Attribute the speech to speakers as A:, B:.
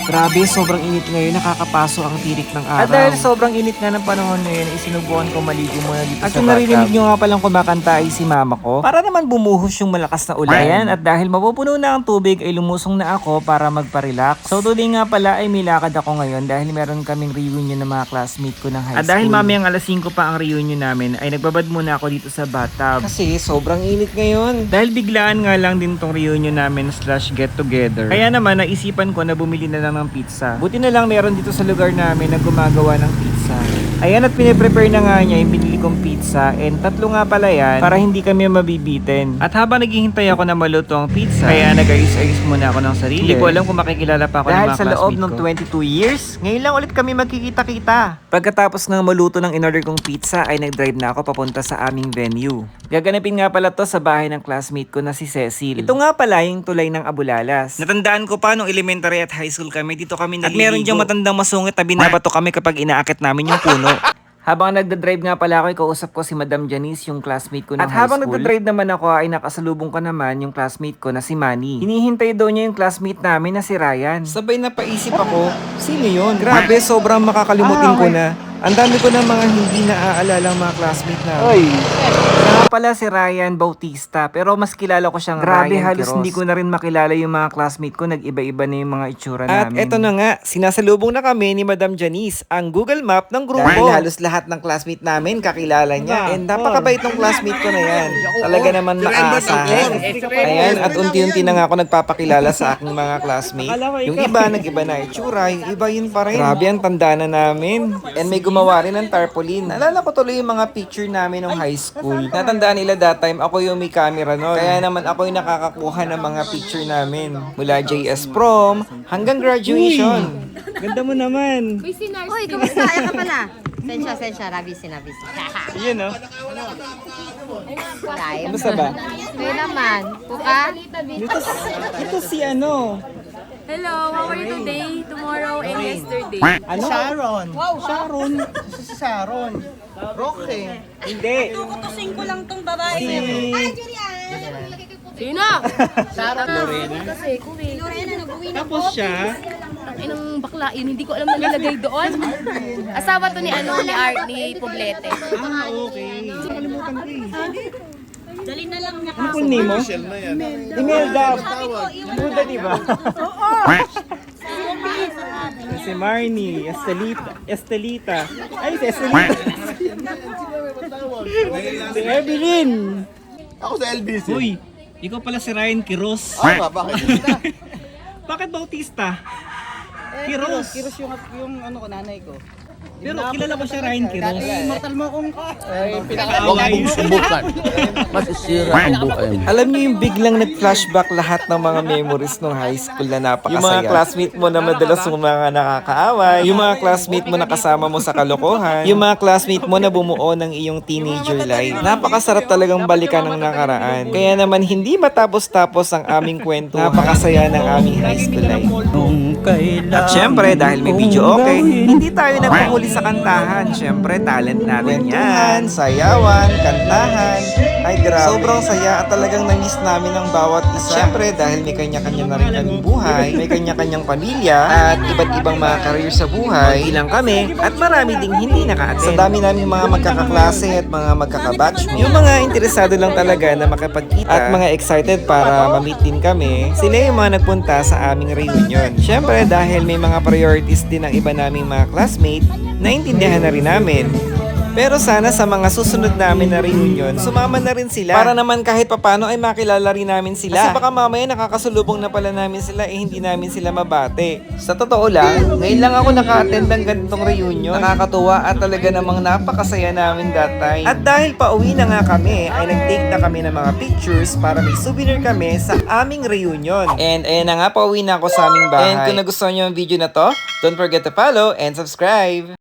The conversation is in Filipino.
A: Grabe, sobrang init ngayon, nakakapaso ang tirik ng araw.
B: At dahil sobrang init nga ng panahon ngayon, isinubukan ko maligo muna dito
A: At
B: sa
A: yung narinig
B: bathtub.
A: nyo nga palang kumakanta ay si mama ko.
B: Para naman bumuhos yung malakas na ulan. Ayan, at dahil mapupuno na ang tubig ay lumusong na ako para magpa-relax. So today nga pala ay may lakad ako ngayon dahil meron kaming reunion ng mga classmate ko ng high school. At dahil mamayang alas 5 pa ang reunion namin ay nagbabad muna ako dito sa bathtub.
A: Kasi sobrang init ngayon.
B: Dahil biglaan nga lang din tong reunion namin / get together. Kaya naman naisipan ko na bumili na lang ng pizza. Buti na lang meron dito sa lugar namin na gumagawa ng pizza. Ayan, at piniprepare na nga niya yung binili kong pizza, and 3 nga pala yan para hindi kami mabibitin. At habang naghihintay ako na maluto ang pizza, kaya nag-ayos-ayos muna ako ng sarili. Hindi ko alam kung makikilala pa ako ng mga
A: Dahil sa loob
B: classmate
A: ng
B: ko.
A: 22 years, ngayon lang ulit kami magkikita-kita. Pagkatapos ng maluto ng in-order kong pizza ay nag-drive na ako papunta sa aming venue. Gaganapin nga pala to sa bahay ng classmate ko na si Cecil. Ito nga pala yung tulay ng Abulalas. Natandaan ko pa nung elementary at high school kami, dito kami naliligo. At meron diyang matandang masungit na binabato kami kapag inaakit namin yung puno. Habang nagda-drive nga pala ako, kausap ko si Madam Janice, yung classmate ko ng high school. At habang nagda-drive naman ako, ay nakasalubong ko naman yung classmate ko na si Manny. Hinihintay daw niya yung classmate namin na si Ryan. Sabay napaisip ako, sino yun? Grabe, sobrang makakalimutin ko na. Ang dami ko na mga hindi naaalala mga classmate namin. Siya pala si Ryan Bautista, pero mas kilala ko siyang Grabe,
B: Ryan
A: halos
B: Quiroz.
A: hindi
B: ko na rin makilala yung mga classmate ko, nag-iba-iba na yung mga itsura
A: At eto na nga, sinasalubong na kami ni Madam Janice, ang Google Map ng grupo.
B: Dahil
A: halos lahat ng classmate namin kakilala niya. And napakabait ng classmate ko na yan. Talaga naman maaasahan. Ayan, at unti-unti na nga ako nagpapakilala sa aking mga classmate. Yung iba, nag-iba na itsura. Yung iba yun pa rin. Grabe, ang tanda na namin. And may gumawa rin ng tarpaulin. Naalala ko tuloy yung mga picture namin nung high school. Natandaan nila that time, ako yung may camera nun. Kaya naman ako yung nakakakuha ng mga picture namin. Mula JS prom hanggang graduation.
B: Ganda mo naman.
C: Uy, kamusta? Ayan ka pala. Sensya, rabisi.
B: Yun, no?
C: Live.
A: Kamusta ba?
C: Kayo naman. Puka?
B: Ito si ano?
D: Hello, how are you today, tomorrow, and yesterday?
B: Ano?
E: Sharon. Sharon. Si Sharon. Roque.
B: Hindi.
C: Kutusin ko lang tong babae.
D: Sino?
E: Sharon Lorena.
D: Kasi, kuwi.
B: Tapos siya,
D: Inong bakla yun, hindi ko alam nalalagay doon. Asawa to ni Art, ni Poblete.
B: okay. Nakalimutan ko eh.
C: Dali na lang niya.
B: Ano full name mo? Imelda. Buda, di ba? Si Marnie, Estelita. Ay, si Estelita. Si Evelyn.
E: Ako sa LBC.
B: Uy, ikaw pala si Ryan Quiroz.
E: Bakit?
B: Bakit Bautista? Quiroz.
E: Kiros yung ano ko, nanay ko.
B: Pero kilala ko siya Ryan Quiroz.
E: Immortal mo kung
F: Huwag mong subukan. Masisira ang buhay mo.
A: Alam niyo yung biglang nag-flashback lahat ng mga memories ng high school na napakasaya. Yung mga classmate mo na madalas yung mga nakakaaway. Yung mga classmate mo na kasama mo sa kalokohan. Yung mga classmate mo na bumuo ng iyong teenager life. Napakasarap talagang balikan ng nakaraan. Kaya naman hindi matapos-tapos ang aming kwento. Napakasaya ng aming high school life. At syempre, dahil may video okay, hindi tayo nagpahuli sa kantahan. Syempre, talent natin yan. Sayawan, kantahan. Ay, grabe. Sobrang saya at talagang na-miss namin ang bawat isa. Syempre, dahil may kanya-kanya na rin kaming buhay, may kanya-kanyang pamilya, at iba't ibang mga career sa buhay. Ilang kami, at marami ding hindi naka-attend. Sa dami namin mga magkakaklase at mga magkakabatchmate. Yung mga interesado lang talaga na makapagkita at mga excited para ma-meet din kami, sila yung mga nagpunta sa aming reunion. Syempre, dahil may mga priorities din ng iba naming mga classmate, naintindihan na rin namin. Pero sana sa mga susunod namin na reunion, sumama na rin sila. Para naman kahit papano ay makilala rin namin sila. Kasi baka mamaya nakakasulubong na pala namin sila, hindi namin sila mabate. Sa totoo lang, ngayon lang ako naka-attend ng ganitong reunion. Nakakatuwa at talaga namang napakasaya namin that time. At dahil pauwi na nga kami, ay nag-take na kami ng mga pictures para may souvenir kami sa aming reunion. And ayan na nga, pauwi na ako sa aming bahay. And kung nagustuhan nyo ang video na to, don't forget to follow and subscribe.